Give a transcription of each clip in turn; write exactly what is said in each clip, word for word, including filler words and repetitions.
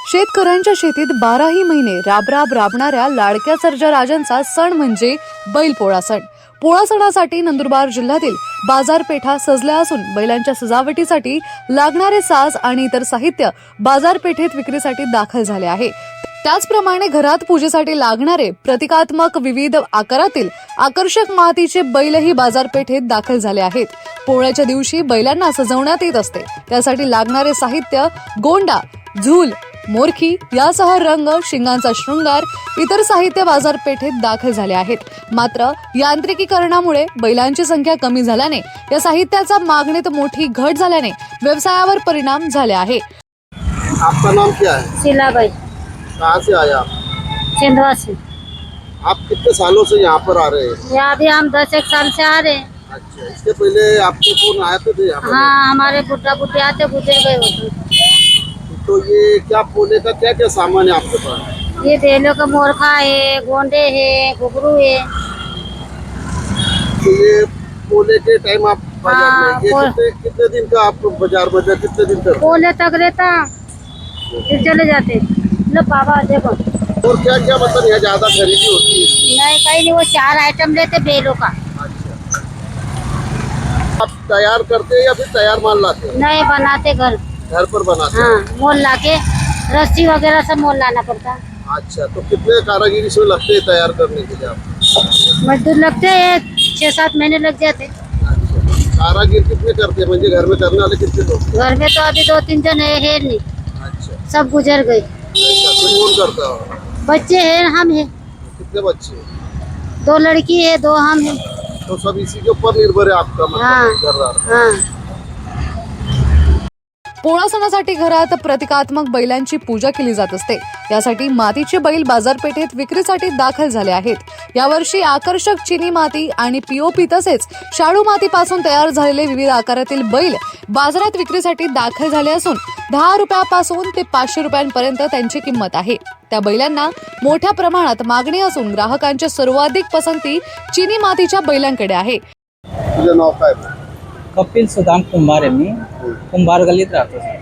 शेतकऱ्यांच्या शेतीत बाराही महिने राबराब राबणाऱ्या लाडक्या सर्जा राजांचा सण म्हणजे बैलपोळा सण. पोळा सणासाठी नंदुरबार जिल्ह्यातील बाजारपेठा सजल्या असून बैलांच्या सजावटीसाठी लागणारे साज आणि इतर साहित्य बाजारपेठेत विक्रीसाठी दाखल झाले आहे. त्याचप्रमाणे घरात पूजेसाठी लागणारे प्रतिकात्मक विविध आकारातील आकर्षक मातीचे बैलही बाजारपेठेत दाखल झाले आहेत. पोळ्याच्या दिवशी बैलांना सजवण्यात येत असते. त्यासाठी लागणारे साहित्य गोंडा, झूल, मोरखी यासह रंग, शिंगांचा शृंगार, इतर साहित्य बाजारपेठेत दाखल झाले आहेत. मात्र यांत्रिकीकरणामुळे बैलांची संख्या कमी झाल्याने या साहित्याचा मागणीत मोठी घट झाल्याने व्यवसायावर परिणाम झाले आहे. आपका नाम क्या है? शीलाबाई. कहाँ से आया आप? छिंदवा से. आप कितने सालों से यहाँ पर आ रहे हैं? यहाँ भी हम दस एक साल से आ रहे हैं. अच्छा, इसके पहले आपके फोन आए थे यहाँ पर? हाँ, हमारे बुढ़ा बुढ़े आते गुजर गए होते. तो ये क्या पोले का क्या क्या सामान है आपके पास? ये बेलों का मोरखा है, गोंडे है, घुघरू है. तो ये पोले के टाइम आप बाजार हाँ, में ये पोल- कितने कितने दिन का आप बाजार में कितने दिन तक? पोले तक रहता फिर चले जाते. लो बाबा देखो. और क्या क्या मतलब यहाँ ज्यादा खरीदी होती है इसकी? नहीं कहीं नहीं, वो चार आइटम लेते बेलों का. अच्छा, आप तैयार करते हैं या फिर तैयार माल लाते हैं? नहीं बनाते घर. घर पर बनाते हैं? हाँ, मोल लाके रस्सी वगैरह सब मोल लाना पड़ता. अच्छा, तो कितने कारागिर इसमें लगते हैं तैयार करने के लिए आप? मजदूर लगते हैं, छह सात महीने लग जाते. अच्छा, कारागिर कितने करते हैं म्हणजे घर में करने वाले कितने लोग? घर में तो अभी दो तीन जन है, है नहीं, अच्छा, सब गुजर गए. ऐसा फिर कौन करता हो? बच्चे हैं, हम हैं, कितने बच्चे? दो लड़की है, दो हम हैं. तो सब इसी के ऊपर निर्भर है आपका हाँ. मतलब घरदार? हाँ. पोळा सणासाठी घरात प्रतिकात्मक बैलांची पूजा केली जात असते. यासाठी मातीचे बैल बाजारपेठेत विक्रीसाठी दाखल झाले आहेत. यावर्षी आकर्षक चिनी माती आणि पीओपी तसेच शाडू मातीपासून तयार झालेले विविध आकारातील बैल बाजारात विक्रीसाठी दाखल झाले असून दहा रुपयापासून ते पाचशे रुपयांपर्यंत त्यांची किंमत आहे. त्या बैलांना मोठ्या प्रमाणात मागणी असून ग्राहकांची सर्वाधिक पसंती चिनी मातीच्या बैलांकडे आहे. तुझं नाव काय? कपिल सुदाम कुंभार आहे. मी कुंभार गल्लीत राहतो सर.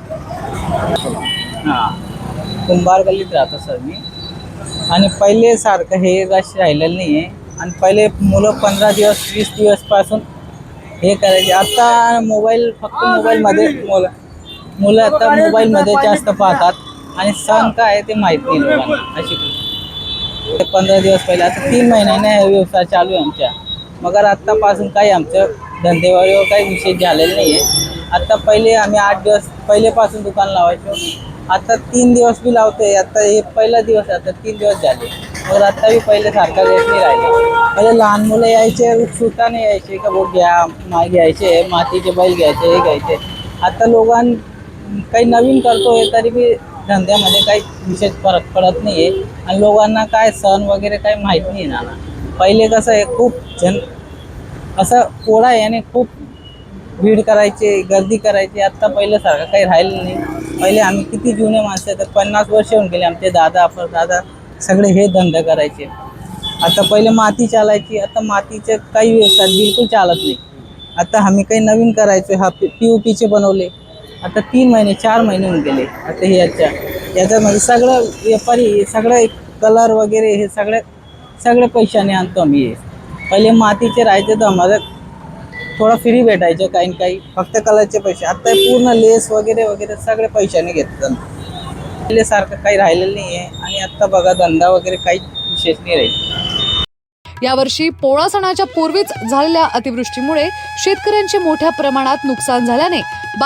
हां, कुंभार गल्लीत राहतो सर मी. आणि पहिले सारखं हे रश राहिलेलं नाही आहे. आणि पहिले मुलं पंधरा दिवस वीस दिवसपासून हे करायचे. आता मोबाईल फक्त मोबाईलमध्ये मुलं मुलं आता मोबाईलमध्ये जास्त पाहतात आणि सण काय आहे ते माहीत नाही लोकांना. अशी पंधरा दिवस पहिले आता तीन महिन्याने हे व्यवसाय चालू आहे आमच्या. मगर आत्तापासून काही आमचं धंदेवारीवर काही विशेष झालेलं नाही आहे. आता पहिले आम्ही आठ दिवस पहिलेपासून दुकान लावायचो. आता तीन दिवस बी लावतोय. आता हे पहिला दिवस आता तीन दिवस झाले. मग आता बी पहिल्यासारखा रेट नाही राहिला. पहिले लहान मुलं यायचे, उत्सुकताने यायचे का भाऊ घ्या, माय घ्यायचे, मातीचे बैल घ्यायचे, हे घ्यायचे. आता लोकां काही नवीन करतोय तरी बी धंद्यामध्ये काही विशेष फरक पडत नाही आहे. आणि लोकांना काय सण वगैरे काही माहीत नाही ना. पहिले कसं आहे खूप जन असं पोळा याने खूप भीड करायचे, गर्दी करायची. आत्ता पहिल्यासारखं काही राहिलं नाही. पहिले आम्ही किती जुने माणसं तर पन्नास वर्ष होऊन गेले आमचे दादा परदादा सगळे हे धंदा करायचे. आता पहिले माती चालायची, आता मातीचे काही व्यवसाय बिलकुल चालत नाही. आता आम्ही काही नवीन करायचो. हा पी पी ओ पीचे बनवले. आता तीन महिने चार महिने होऊन गेले. आता हे याच्या याच्यामध्ये सगळं व्यापारी सगळं कलर वगैरे हे सगळे सगळे पैशाने आणतो आम्ही. हे पहिले मातीचे राहायचे तर आम्हाला थोडं फ्री भेटायचं काही काही, फक्त कलरचे पैसे. आता पूर्ण लेस वगैरे वगैरे सगळे पैशाने घेतात. पहिल्यासारखं काही राहिलेलं नाही आहे. आणि आत्ता बघा धंदा वगैरे काही विशेष नाही राहील. यावर्षी पोळा सणाच्या पूर्वीच झालेल्या अतिवृष्टीमुळे शेतकऱ्यांचे मोठ्या प्रमाणात नुकसान झाल्याने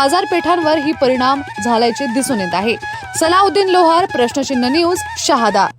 बाजारपेठांवर ही परिणाम झाल्याचे दिसून येत आहे. सलाउद्दीन लोहार, प्रश्नचिन्ह न्यूज, शहादा.